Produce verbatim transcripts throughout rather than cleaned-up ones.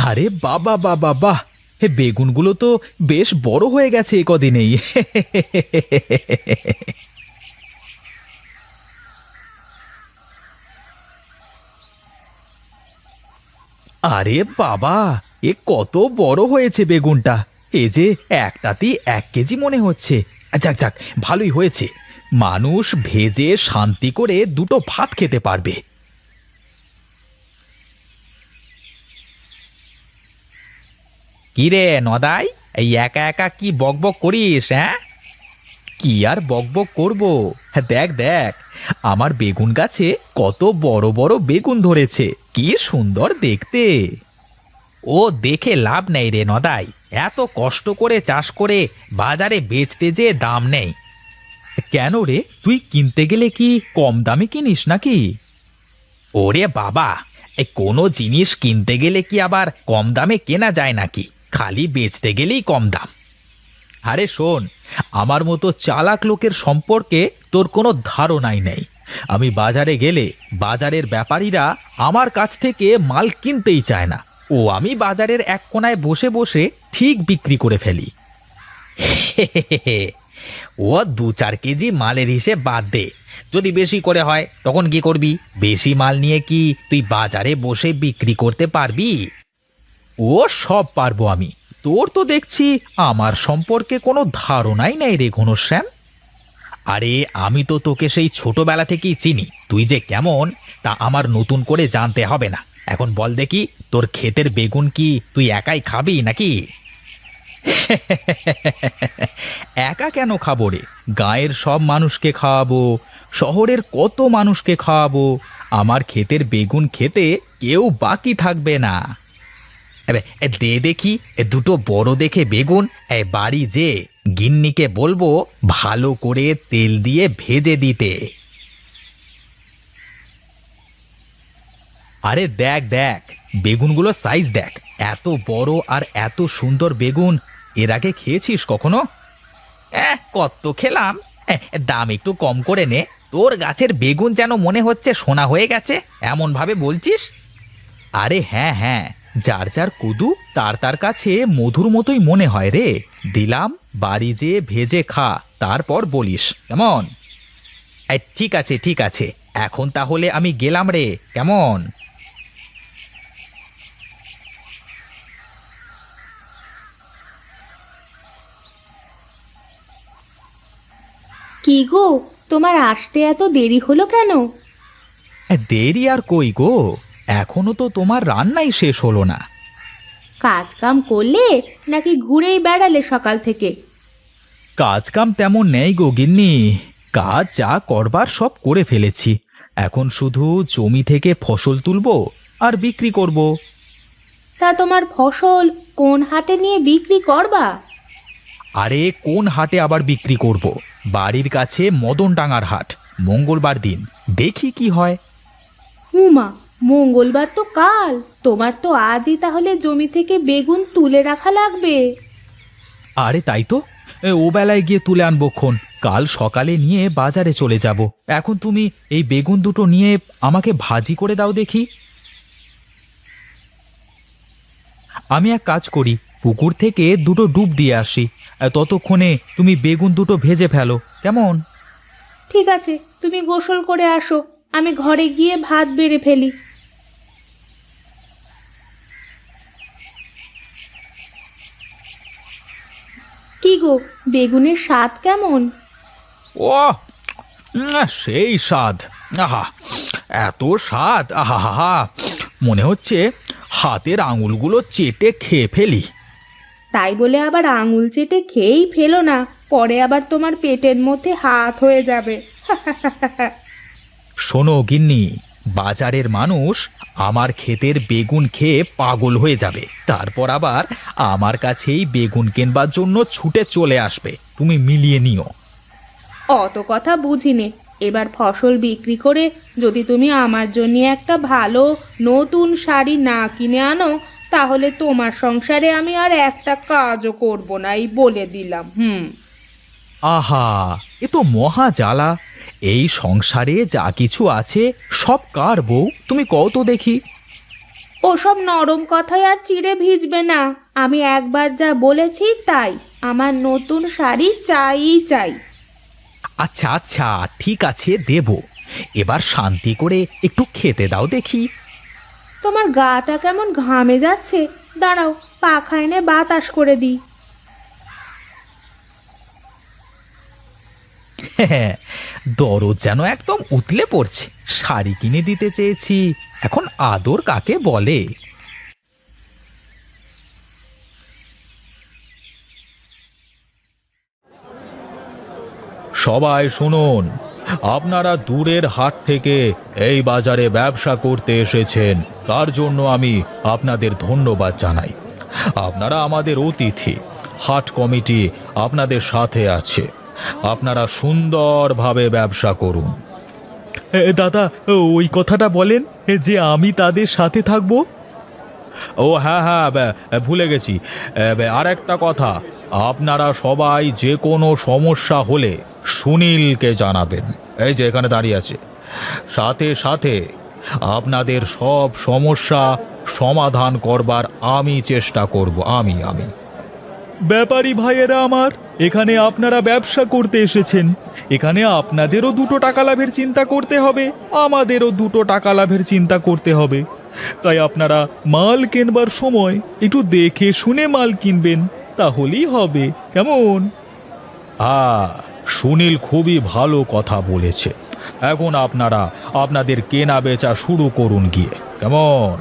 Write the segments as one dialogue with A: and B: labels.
A: আরে বাবা বাবা বাহ! হে বেগুনগুলো তো বেশ বড় হয়ে গেছে এ কদিনেই। আরে বাবা, এ কত বড় হয়েছে বেগুনটা! এ যে একটাতেই এক কেজি মনে হচ্ছে। যাক যাক, ভালোই হয়েছে। মানুষ ভেজে শান্তি করে দুটো ভাত খেতে পারবে। কি রে নদাই, এই একা একা কি বকবক করিস? হ্যাঁ, কি আর বকবক করব? হ্যাঁ, দেখ দেখ, আমার বেগুন গাছে কত বড় বড় বেগুন ধরেছে, কি সুন্দর দেখতে। ও দেখে লাভ নেই রে নদাই, এত কষ্ট করে চাষ করে বাজারে বেচতে যে দাম নেই। কেন রে, তুই কিনতে গেলে কি কম দামে কিনিস নাকি? ওরে বাবা, এই কোনো জিনিস কিনতে গেলে কি আবার কম দামে কেনা যায় নাকি? খালি বেচতে গেলেই কম দাম। আরে শোন, আমার মতো চালাক লোকের সম্পর্কে তোর কোনো ধারণাই নেই। আমি বাজারে গেলে বাজারের ব্যাপারীরা আমার কাছ থেকে মাল কিনতেই চায় না। ও আমি বাজারের এক কোনায় বসে বসে ঠিক বিক্রি করে ফেলি। ও দু চার কেজি মালের হিসেব বাদ দে, যদি বেশি করে হয় তখন কি করবি? বেশি মাল নিয়ে কি তুই বাজারে বসে বিক্রি করতে পারবি? ও সব পারবো আমি। তোর তো দেখছি আমার সম্পর্কে কোনো ধারণাই নেই রে ঘনশ্যাম। আরে আমি তো তোকে সেই ছোটবেলা থেকেই চিনি, তুই যে কেমন তা আমার নতুন করে জানতে হবে না। এখন বল দেখি, তোর ক্ষেতের বেগুন কি তুই একাই খাবি নাকি? একা কেন খাবো রে? গাঁয়ের সব মানুষকে খাওয়াবো, শহরের কত মানুষকে খাওয়াবো। আমার ক্ষেতের বেগুন খেতে কেউ বাকি থাকবে না। এবে, এ দে দেখি এ দুটো বড় দেখে বেগুন। এ বাড়ি যে গিন্নিকে বলবো ভালো করে তেল দিয়ে ভেজে দিতে। আরে দেখ দেখ, বেগুনগুলো সাইজ দেখ, এত বড় আর এত সুন্দর বেগুন এর আগে খেয়েছিস কখনো? হ্যাঁ, কত খেলাম। এ, দাম একটু কম করে নে। তোর গাছের বেগুন যেন মনে হচ্ছে সোনা হয়ে গেছে, এমন ভাবে বলছিস। আরে হ্যাঁ হ্যাঁ, যার যার কুদু তার তার কাছে মধুর মতোই মনে হয় রে। দিলাম, বাড়ি যেয়ে ভেজে খা, তারপর বলিস কেমন। এই, ঠিক আছে ঠিক আছে, এখন তাহলে আমি গেলাম রে, কেমন?
B: কি গো, তোমার আসতে এত দেরি হলো কেন?
A: এ, দেরি আর কই গো, এখনো তো তোমার রান্নাই শেষ হলো না।
B: কাজ কাম করলে নাকি ঘুরেই বেড়ালে সকাল থেকে?
A: কাজ কাম তেমন নেই গো গিন্নি, কাজ যা করবার সব করে ফেলেছি। এখন শুধু জমি থেকে ফসল তুলবো আর বিক্রি করব।
B: তা তোমার ফসল কোন হাটে নিয়ে বিক্রি করবা?
A: আরে কোন হাটে আবার বিক্রি করব? বাড়ির কাছে মদনডাঙ্গার হাট, মঙ্গলবার দিন, দেখি কি হয়।
B: হুমা, মঙ্গলবার তো কাল। তোমার তো আজই তাহলে জমি থেকে বেগুন তুলে রাখা লাগবে।
A: আরে তাই তো, এ, ও বেলায় গিয়ে তুলে আনবক্ষণ, কাল সকালে নিয়ে বাজারে চলে যাব। এখন তুমি এই বেগুন দুটো নিয়ে আমাকে ভাজি করে দাও দেখি। আমি এক কাজ করি, পুকুর থেকে দুটো ডুব দিয়ে আসি, আর ততক্ষণে তুমি বেগুন দুটো ভেজে ফেলো, কেমন?
B: ঠিক আছে, তুমি গোসল করে আসো, আমি ঘরে গিয়ে ভাত বেড়ে ফেলি। কি গো, বেগুনের স্বাদ কেমন?
A: ও, উম, সেই স্বাদ! আহা, এত স্বাদ! আহা হা হা, মনে হচ্ছে হাতের আঙুলগুলো চেটে খেয়ে ফেলি।
B: তাই বলে আবার আঙুল চেটে খেয়েই ফেলো না, পরে আবার তোমার পেটের মধ্যে হাত হয়ে যাবে।
A: শোনো গিন্নি, বাজারের মানুষ আমার ক্ষেতের বেগুন খেয়ে পাগল হয়ে যাবে, তারপর আবার আমার কাছেই বেগুন কেনবার জন্য ছুটে চলে আসবে। তুমি মিলিয়ে নিও।
B: অত কথা বুঝিনে। এবার ফসল বিক্রি করে যদি তুমি আমার জন্য একটা ভালো নতুন শাড়ি না কিনে আনো, তাহলে তোমার সংসারে আমি আর একটা কাজও করব না, এই বলে দিলাম। হুম।
A: আহা, এ তো মহা জ্বালা! এই সংসারে যা কিছু আছে সব কার বউ, তুমি কও তো দেখি।
B: ওসব নরম কথায় আর চিড়ে ভিজবে না। আমি একবার যা বলেছি তাই, আমার নতুন শাড়ি চাই চাই।
A: আচ্ছা আচ্ছা ঠিক আছে দেব। এবার শান্তি করে একটু খেতে দাও দেখি।
B: তোমার গাটা কেমন ঘামে যাচ্ছে, দাঁড়াও পাখা এনে বাতাস করে দিই।
A: হ্যাঁ, দরদ যেন একদম উতলে পড়ছে। শাড়ি কিনে দিতে চেয়েছি, এখন আদর কাকে বলে। সবাই শুনুন, আপনারা দূরের হাট থেকে এই বাজারে ব্যবসা করতে এসেছেন, তার জন্য আমি আপনাদের ধন্যবাদ জানাই। আপনারা আমাদের অতিথি, হাট কমিটি আপনাদের সাথে আছে। আপনারা সুন্দরভাবে ব্যবসা করুন। দাদা, ওই কথাটা বলেন যে আমি তাদের সাথে থাকব। ও হ্যাঁ হ্যাঁ, ভুলে গেছি। আর একটা কথা, আপনারা সবাই যে কোনো সমস্যা হলে সুনীলকে জানাবেন। এই যে এখানে দাঁড়িয়ে আছে। সাথে সাথে আপনাদের সব সমস্যা সমাধান করবার আমি চেষ্টা করব। আমি আমি ব্যাপারী ভাইয়েরা আমার, এখানে আপনারা ব্যবসা করতে এসেছেন, এখানে আপনাদেরও দুটো টাকা লাভের চিন্তা করতে হবে, আমাদেরও দুটো টাকা লাভের চিন্তা করতে হবে। তাই আপনারা মাল কেনবার সময় একটু দেখে শুনে মাল কিনবেন, তাহলেই হবে। কেমন? আ সুনীল খুবই ভালো কথা বলেছে। এখন আপনারা আপনাদের কেনা বেচা শুরু করুন গিয়ে। কেমন?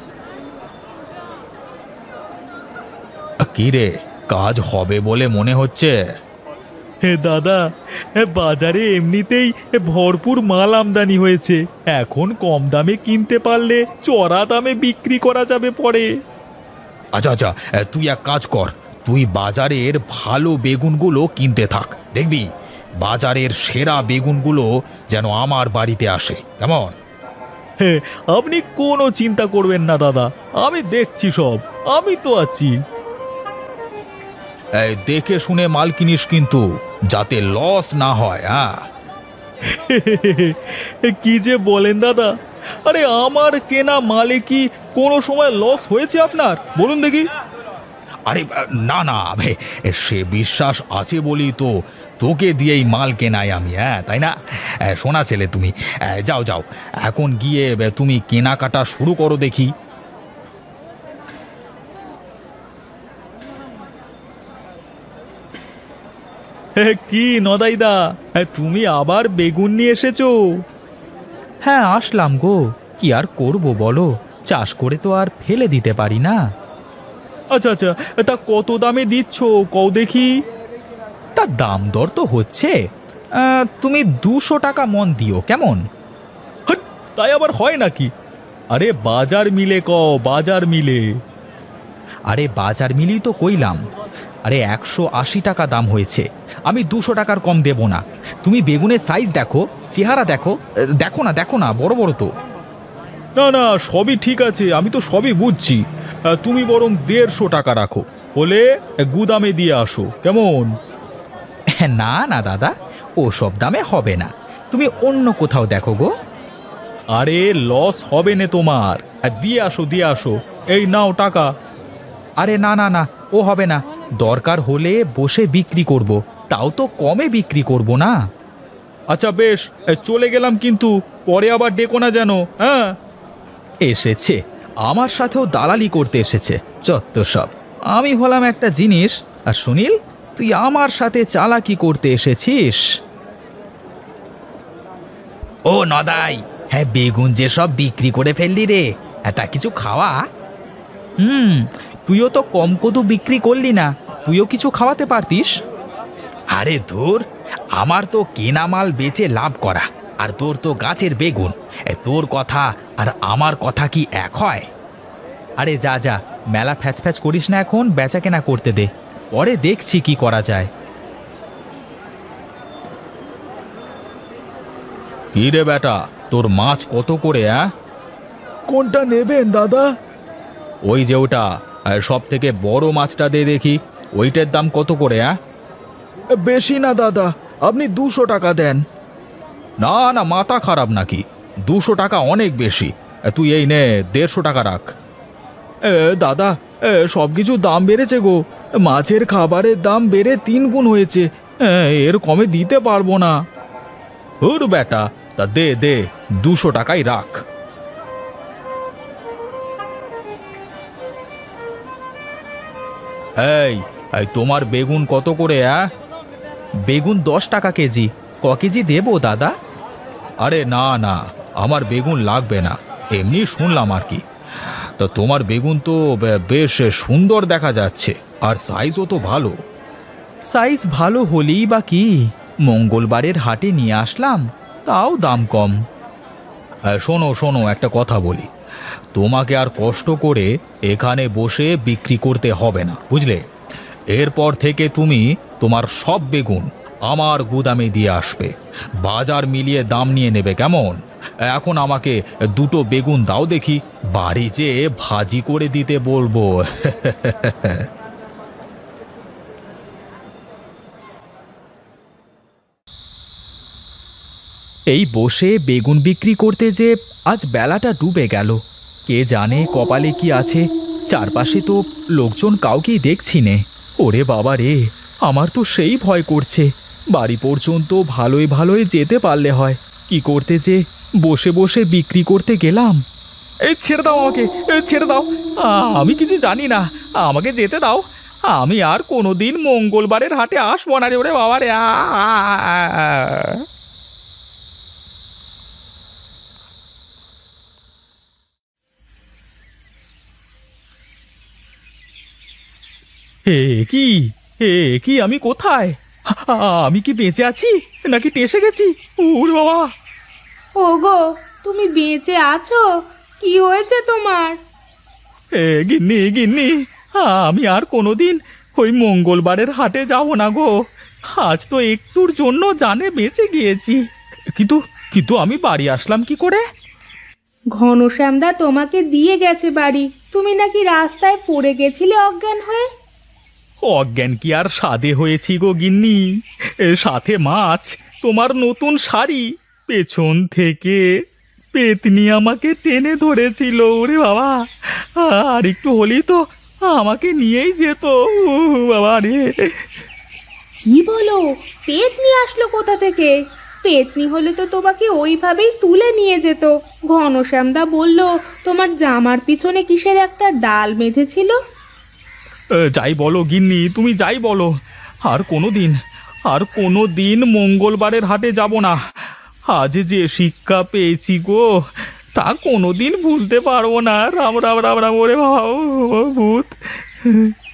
A: কি রে, কাজ হবে বলে মনে হচ্ছে? হে দাদা, বাজারে এমনিতেই ভরপুর মাল আমদানি হয়েছে, এখন কম দামে কিনতে পারলে চড়া দামে বিক্রি করা যাবে পরে। আচ্ছা আচ্ছা, তুই এক কাজ কর, তুই বাজারের ভালো বেগুনগুলো কিনতে থাক। দেখবি বাজারের সেরা বেগুনগুলো যেন আমার বাড়িতে আসে। কেমন? হ্যাঁ, আপনি কোনো চিন্তা করবেন না দাদা, আমি দেখছি সব, আমি তো আছি। এই দেখে শুনে মাল কিনিস কিন্তু, যাতে লস না হয়। হ্যাঁ, কি যে বলেন দাদা, আরে আমার কেনা মালে কি কোনো সময় লস হয়েছে আপনার? বলুন দেখি। আরে না না, সে বিশ্বাস আছে বলি তো তোকে দিয়েই মাল কেনাই আমি। হ্যাঁ তাই না? শোনা ছেলে, তুমি যাও যাও, এখন গিয়ে তুমি কেনাকাটা শুরু করো দেখি। কি নদাইদা, তুমি আবার বেগুন নিয়ে এসেছো? হ্যাঁ আসলাম গো, কি আর করব বলো, চাষ করে তো আর ফেলে দিতে পারি না। আচ্ছা আচ্ছা, তা কত দামে দিচ্ছ কও দেখি। তার দাম দর তো হচ্ছে, আহ, তুমি দুশো টাকা মন দিও। কেমন? হট, তাই আবার হয় নাকি? আরে বাজার মিলে কও, বাজার মিলে। আরে বাজার মিলেই তো কইলাম। আরে একশো আশি টাকা দাম হয়েছে, আমি দুশো টাকার কম দেব না। তুমি বেগুনের সাইজ দেখো, চেহারা দেখো, দেখো না দেখো না, বড় বড় তো। না না, সবই ঠিক আছে, আমি তো সবই বুঝছি। তুমি বরং দেড়শো টাকা রাখো, বলে গুদামে দিয়ে আসো। কেমন? না না দাদা, ও সব দামে হবে না, তুমি অন্য কোথাও দেখো গো। আরে লস হবে না তোমার, দিয়ে আসো দিয়ে আসো, এই নাও টাকা। আরে না না না, ও হবে না, দরকার হলে বসে বিক্রি করব, তাও তো কমে বিক্রি করব না। আচ্ছা বেশ, চলে গেলাম কিন্তু, পরে আবার ডেকো না যেন। হ্যাঁ, এসেছে আমার সাথেও দালালি করতে এসেছে, চত্ব সব। আমি হলাম একটা জিনিস, আর সুনীল তুই আমার সাথে চালাকি করতে এসেছিস। ও নদাই, হ্যাঁ বেগুন যে সব বিক্রি করে ফেললি রে, তা কিছু খাওয়া। হুম, তুইও তো কম কদু বিক্রি করলি না, তুইও কিছু খাওয়াতে পারতিস। আরে ধুর, আমার তো কেনা মাল বেচে লাভ করা, আর তোর তো গাছের বেগুন, তোর কথা আর আমার কথা কি এক হয়? আরে যা যা, মেলা ফ্যাচ ফ্যাচ করিস না, এখন বেচা কেনা করতে দে, পরে দেখছি কি করা যায়। কি রে বেটা, তোর মাছ কত করে? অ্যাঁ, কোনটা নেবেন দাদা? ওই যে ওটা, সব থেকে বড় মাছটা দে দেখি, ওইটার দাম কত করে? অ্যাঁ, বেশি না দাদা, আপনি দুশো টাকা দেন। না না, মাথা খারাপ নাকি? দুশো টাকা অনেক বেশি, তুই এই নে দেড়শো টাকা রাখ। এ, দাদা, সব কিছু দাম বেড়েছে গো। মাছের খাবারের দাম বেড়ে তিন গুণ হয়েছে। এ, এর কমে দিতে পারবো না। ওর বেটা, তা দে দে, দুশো টাকাই রাখ। এই এই তোমার বেগুন কত করে? অ্যাঁ, বেগুন দশ টাকা কেজি। ক কেজি দেবো দাদা? আরে না না, আমার বেগুন লাগবে না, এমনি শুনলাম আর কি। তা তোমার বেগুন তো বে- বেশ সুন্দর দেখা যাচ্ছে, আর সাইজও তো ভালো। সাইজ ভালো হলেই বা কি, মঙ্গলবারের হাটে নিয়ে আসলাম, তাও দাম কম। হ্যাঁ, শোনো শোনো, একটা কথা বলি, তোমাকে আর কষ্ট করে এখানে বসে বিক্রি করতে হবে না, বুঝলে? এরপর থেকে তুমি তোমার সব বেগুন আমার গুদামে দিয়ে আসবে, বাজার মিলিয়ে দাম নিয়ে নেবে, কেমন? এখন আমাকে দুটো বেগুন দাও দেখি, বাড়ি যেয়ে ভাজি করে দিতে বলবো। এই বসে বেগুন বিক্রি করতে যে আজ বেলাটা ডুবে গেল। কে জানে কপালে কি আছে, চারপাশে তো লোকজন কাউকেই দেখছি নে। ওরে বাবা রে, আমার তো সেই ভয় করছে। বাড়ি পর্যন্ত ভালোই ভালোই যেতে পারলে হয়, কি করতে যে বসে বসে বিক্রি করতে গেলাম। এই ছেড়ে দাও আমাকে, এ, ছেড়ে দাও। আ, আমি কিছু জানি না, আমাকে যেতে দাও। আমি আর কোনোদিন মঙ্গলবারের হাটে আসবো না রে, ওরে বাবা রে। আ, আ, আ, আ। হে কি, হে কি, আমি কোথায়? আ- আমি কি বেঁচে আছি নাকি টেসে গেছি? ওরে বাবা!
B: ওগো, তুমি বেঁচে আছো? কি হয়েছে তোমার?
A: এ গিন্নি, গিন্নি, আমি আর কোনোদিন ওই মঙ্গলবারের হাটে যাব না গো। আজ তো একটুর জন্য জানে বেঁচে গিয়েছি, কিন্তু কিন্তু আমি বাড়ি আসলাম কি করে?
B: ঘনশ্যামদা তোমাকে দিয়ে গেছে বাড়ি। তুমি নাকি রাস্তায় পড়ে গেছিলে অজ্ঞান হয়ে।
A: অজ্ঞান কি আর সাধে হয়েছি গো গিন্নি, এ, সাথে মাছ, তোমার নতুন শাড়ি, পেছন থেকে পেতনি আমাকে টেনে ধরেছিল। ওরে বাবা, আর একটু হলেই তো আমাকে নিয়েই যেত। উ বাবা রে!
B: কি বলো? পেতনি আসলো কোথা থেকে? পেতনি হলে তো তোমাকে ওইভাবেই তুলে নিয়ে যেত। ঘনশ্যামদা বলল তোমার জামার পিছনে কিসের একটা ডাল বেঁধেছিল।
A: এ, যাই বলো গিন্নি, তুমি যাই বলো, আর কোনো দিন, আর কোনো দিন মঙ্গলবারের হাটে যাব না। আজ যে শিক্ষা পেয়েছি গো, তা কোনো দিন ভুলতে পারবো না। রাম রাম রাম রাম, ওরে বাবা, ও, ও, ভূত!